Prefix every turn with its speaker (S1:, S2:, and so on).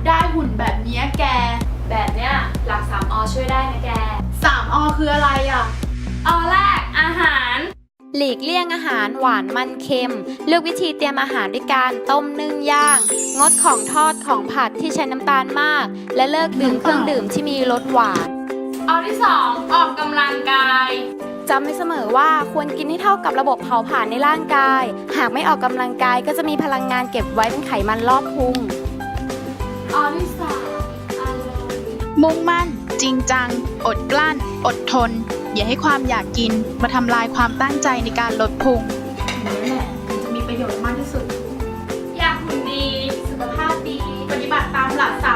S1: ได้หุ่นแบบนี้แก
S2: แบบเนี้ยหลัก3 อช่วยได้นะแก
S1: 3 อคืออะไรอ่ะ
S2: อแรกอาหาร
S3: หลีกเลี่ยงอาหารหวานมันเค็มเลือกวิธีเตรียมอาหารด้วยการต้มนึ่งย่างงดของทอดของผัดที่ใช้น้ำตาลมากและเลิกดื่มเครื่องดื่มที่มีรสหวาน
S2: อที่ 2ออกกำลังกาย
S3: จำไว้เสมอว่าควรกินให้เท่ากับระบบเผาผลาญในร่างกายหากไม่ออกกำลังกายก็จะมีพลังงานเก็บไว้เป็นไขมันรอบพุง
S2: อที่ 3อารมณ์
S4: มุ่งมั่นจริงจังอดกลั้นอดทนอย่าให้ความอยากกินมาทำลายความตั้งใจในการลดพุง
S1: นี่แหละมันจะมีประโยชน์มากที่สุด
S2: อยากหุ่นดี
S1: สุขภาพดีปฏิบัติตามหลัก